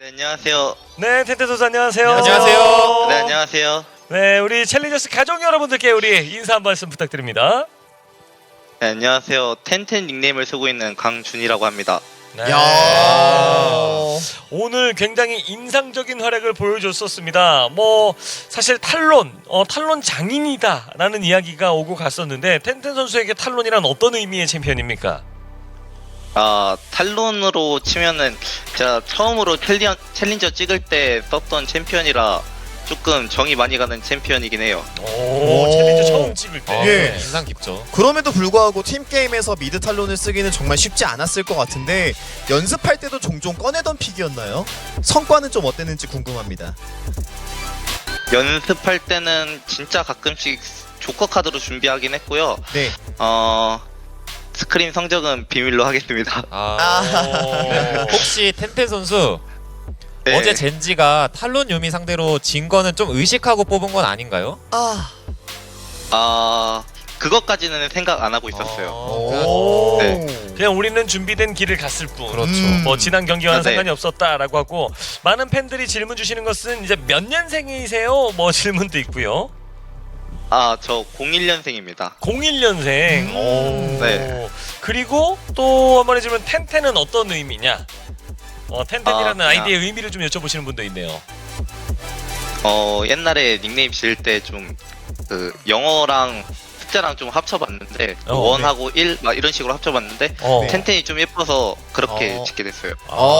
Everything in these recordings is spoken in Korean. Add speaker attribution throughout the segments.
Speaker 1: 네, 안녕하세요.
Speaker 2: 네, 텐텐 선수 안녕하세요.
Speaker 3: 안녕하세요.
Speaker 1: 네, 안녕하세요.
Speaker 2: 네, 우리 챌린저스 가족 여러분들께 우리 인사 한 말씀 부탁드립니다.
Speaker 1: 네, 안녕하세요. 텐텐 닉네임을 쓰고 있는 강준이라고 합니다.
Speaker 2: 네.
Speaker 3: 야.
Speaker 2: 오늘 굉장히 인상적인 활약을 보여줬었습니다. 뭐 사실 탈론 장인이다라는 이야기가 오고 갔었는데 텐텐 선수에게 탈론이란 어떤 의미의 챔피언입니까?
Speaker 1: 탈론으로 치면은 제가 처음으로 챌린저 찍을 때 썼던 챔피언이라 조금 정이 많이 가는 챔피언이긴 해요.
Speaker 2: 오, 챌린저 처음 찍을 때.
Speaker 3: 예.
Speaker 4: 인상 깊죠.
Speaker 3: 그럼에도 불구하고 팀게임에서 미드 탈론을 쓰기는 정말 쉽지 않았을 것 같은데 연습할 때도 종종 꺼내던 픽이었나요? 성과는 좀 어땠는지 궁금합니다.
Speaker 1: 연습할 때는 진짜 가끔씩 조커 카드로 준비하긴 했고요.
Speaker 3: 네.
Speaker 1: 스크림 성적은 비밀로 하겠습니다.
Speaker 4: 혹시 텐텐 선수
Speaker 1: 네.
Speaker 4: 어제 젠지가 탈론 유미 상대로 진 거는 좀 의식하고 뽑은 건 아닌가요?
Speaker 1: 그것까지는 생각 안 하고 있었어요.
Speaker 2: 오.
Speaker 1: 네.
Speaker 2: 그냥 우리는 준비된 길을 갔을 뿐.
Speaker 4: 그렇죠.
Speaker 2: 뭐 지난 경기와는
Speaker 1: 네.
Speaker 2: 상관이 없었다라고 하고 많은 팬들이 질문 주시는 것은 이제 몇 년생이세요? 뭐 질문도 있고요.
Speaker 1: 저 01년생입니다.
Speaker 2: 01년생.
Speaker 1: 네.
Speaker 2: 그리고 또 한번 해주면 텐텐은 어떤 의미냐? 텐텐이라는
Speaker 1: 그냥-
Speaker 2: 아이디의 의미를 좀 여쭤보시는 분도 있네요.
Speaker 1: 옛날에 닉네임 지을 때 좀 그 영어랑 숫자랑 좀 합쳐봤는데
Speaker 2: 어,
Speaker 1: 1하고 1 막 이런 식으로 합쳐봤는데 텐텐이 좀 예뻐서 그렇게 짓게 됐어요.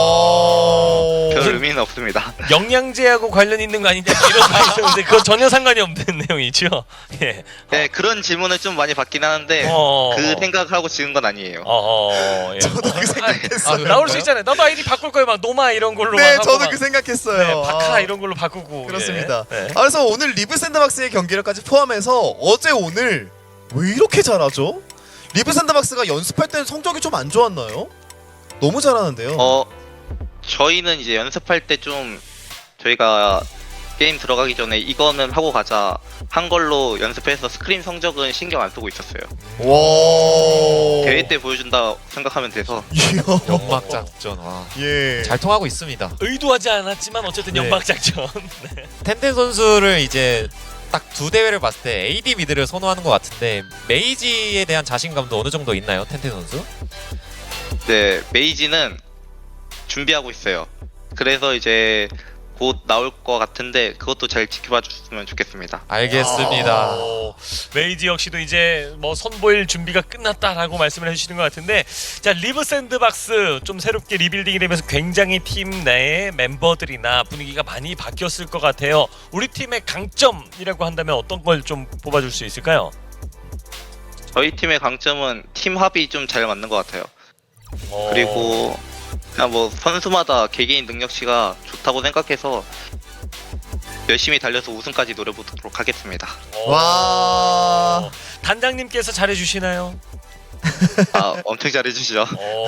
Speaker 1: 별 의미는 없습니다.
Speaker 2: 영양제하고 관련 있는 거 아니냐 이런 말이 있었는데 그건 전혀 상관이 없는 내용이죠. 예.
Speaker 1: 네, 그런 질문을 좀 많이 받긴 하는데 그 생각을 하고 지은 건 아니에요.
Speaker 2: 예.
Speaker 3: 저도 그 생각했어요.
Speaker 2: 나올 수 있잖아요. 나도 아이디 바꿀 거예요. 막 노마 이런 걸로
Speaker 3: 네,
Speaker 2: 막 하고
Speaker 3: 저도
Speaker 2: 막.
Speaker 3: 그 생각했어요.
Speaker 2: 네, 바카 이런 걸로 바꾸고.
Speaker 3: 그렇습니다.
Speaker 2: 예. 네.
Speaker 3: 그래서 오늘 리브 샌드박스의 경기력까지 포함해서 어제 오늘 왜 이렇게 잘하죠? 리브 샌드박스가 연습할 때는 성적이 좀 안 좋았나요? 너무 잘하는데요.
Speaker 1: 저희는 이제 연습할 때 좀 저희가 게임 들어가기 전에 이거는 하고 가자 한 걸로 연습해서 스크린 성적은 신경 안 쓰고 있었어요.
Speaker 3: 와.
Speaker 1: 대회 때 보여준다 생각하면 돼서.
Speaker 3: 이야.
Speaker 4: 연막 작전. 와.
Speaker 3: 예.
Speaker 4: 잘 통하고 있습니다.
Speaker 2: 의도하지 않았지만 어쨌든
Speaker 4: 네.
Speaker 2: 연막 작전.
Speaker 4: 텐텐 선수를 이제 딱 두 대회를 봤을 때 AD 미드를 선호하는 것 같은데 메이지에 대한 자신감도 어느 정도 있나요, 텐텐 선수?
Speaker 1: 네, 메이지는 준비하고 있어요. 그래서 이제 곧 나올 것 같은데 그것도 잘 지켜봐 주셨으면 좋겠습니다.
Speaker 4: 알겠습니다.
Speaker 2: 메이지 역시도 이제 뭐 선보일 준비가 끝났다라고 말씀을 해주시는 것 같은데 자 리브 샌드박스 좀 새롭게 리빌딩이 되면서 굉장히 팀 내의 멤버들이나 분위기가 많이 바뀌었을 것 같아요. 우리 팀의 강점이라고 한다면 어떤 걸 좀 뽑아줄 수 있을까요?
Speaker 1: 저희 팀의 강점은 팀 합이 좀 잘 맞는 것 같아요. 그리고 그냥 뭐 선수마다 개개인 능력치가 좋다고 생각해서 열심히 달려서 우승까지 노려보도록 하겠습니다.
Speaker 3: 와.
Speaker 2: 단장님께서 잘해주시나요?
Speaker 1: 엄청 잘해주시죠.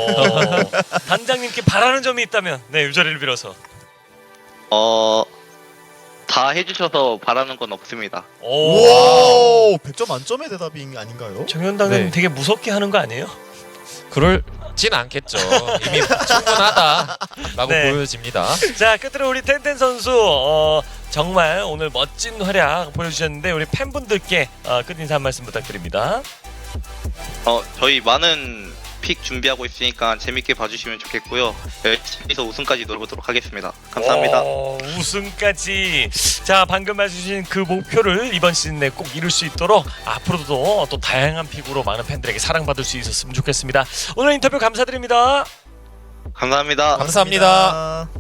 Speaker 2: 단장님께 바라는 점이 있다면 네, 이 자리를 빌어서.
Speaker 1: 다 해주셔서 바라는 건 없습니다.
Speaker 3: 오. 100점 만점의 대답이 아닌가요?
Speaker 2: 정현당은
Speaker 4: 네.
Speaker 2: 되게 무섭게 하는 거 아니에요?
Speaker 4: 그럴진 않겠죠. 이미 충분하다라고
Speaker 2: 네.
Speaker 4: 보여집니다.
Speaker 2: 자 끝으로 우리 텐텐 선수 정말 오늘 멋진 활약 보여주셨는데 우리 팬분들께 끝 인사 한 말씀 부탁드립니다.
Speaker 1: 저희 많은 픽 준비하고 있으니까 재밌게 봐주시면 좋겠고요. 열심히 해서 우승까지 노려보도록 하겠습니다. 감사합니다.
Speaker 2: 우승까지. 자 방금 말씀주신 그 목표를 이번 시즌 내에 꼭 이룰 수 있도록 앞으로도 또 다양한 픽으로 많은 팬들에게 사랑받을 수 있었으면 좋겠습니다. 오늘 인터뷰 감사드립니다.
Speaker 1: 감사합니다.
Speaker 4: 감사합니다.